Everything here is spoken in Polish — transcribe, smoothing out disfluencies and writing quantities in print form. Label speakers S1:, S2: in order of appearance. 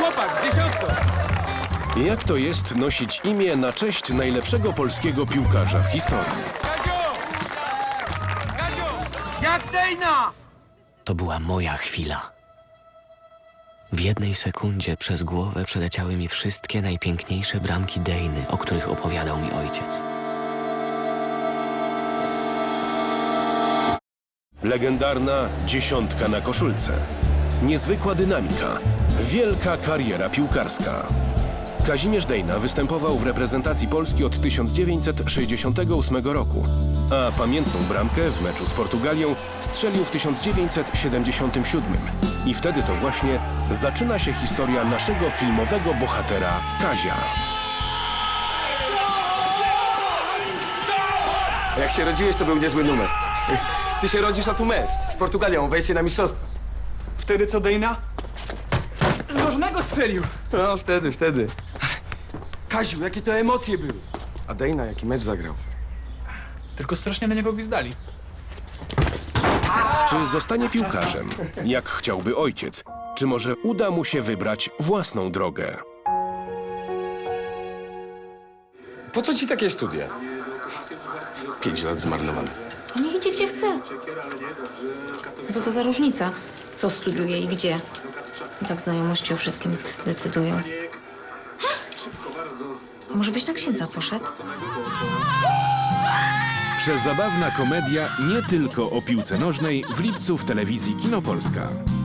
S1: chłopak z dziesiątką.
S2: Jak to jest nosić imię na cześć najlepszego polskiego piłkarza w historii?
S1: Kaziu! Kaziu! Jak Dejna!
S3: To była moja chwila. W jednej sekundzie przez głowę przeleciały mi wszystkie najpiękniejsze bramki Dejny, o których opowiadał mi ojciec.
S2: Legendarna dziesiątka na koszulce. Niezwykła dynamika. Wielka kariera piłkarska. Kazimierz Dejna występował w reprezentacji Polski od 1968 roku, a pamiętną bramkę w meczu z Portugalią strzelił w 1977. I wtedy to właśnie zaczyna się historia naszego filmowego bohatera Kazia.
S1: Jak się rodziłeś, to był niezły numer. Ty się rodzisz, a tu mecz. Z Portugalią, wejście na mistrzostwo.
S4: Wtedy co, Dejna? Z nożnego strzelił!
S1: No, wtedy. Kaziu, jakie to emocje były. A Dejna, jaki mecz zagrał.
S4: Tylko strasznie na niego gwizdali.
S2: Czy zostanie piłkarzem, jak chciałby ojciec? Czy może uda mu się wybrać własną drogę?
S1: Po co ci takie studia? 5 lat zmarnowane.
S5: Niech idzie gdzie chce. Co to za różnica, co studiuje i gdzie? I tak znajomości o wszystkim decydują. Może byś na księdza poszedł?
S6: Przezabawna komedia nie tylko o piłce nożnej w lipcu w telewizji Kino Polska.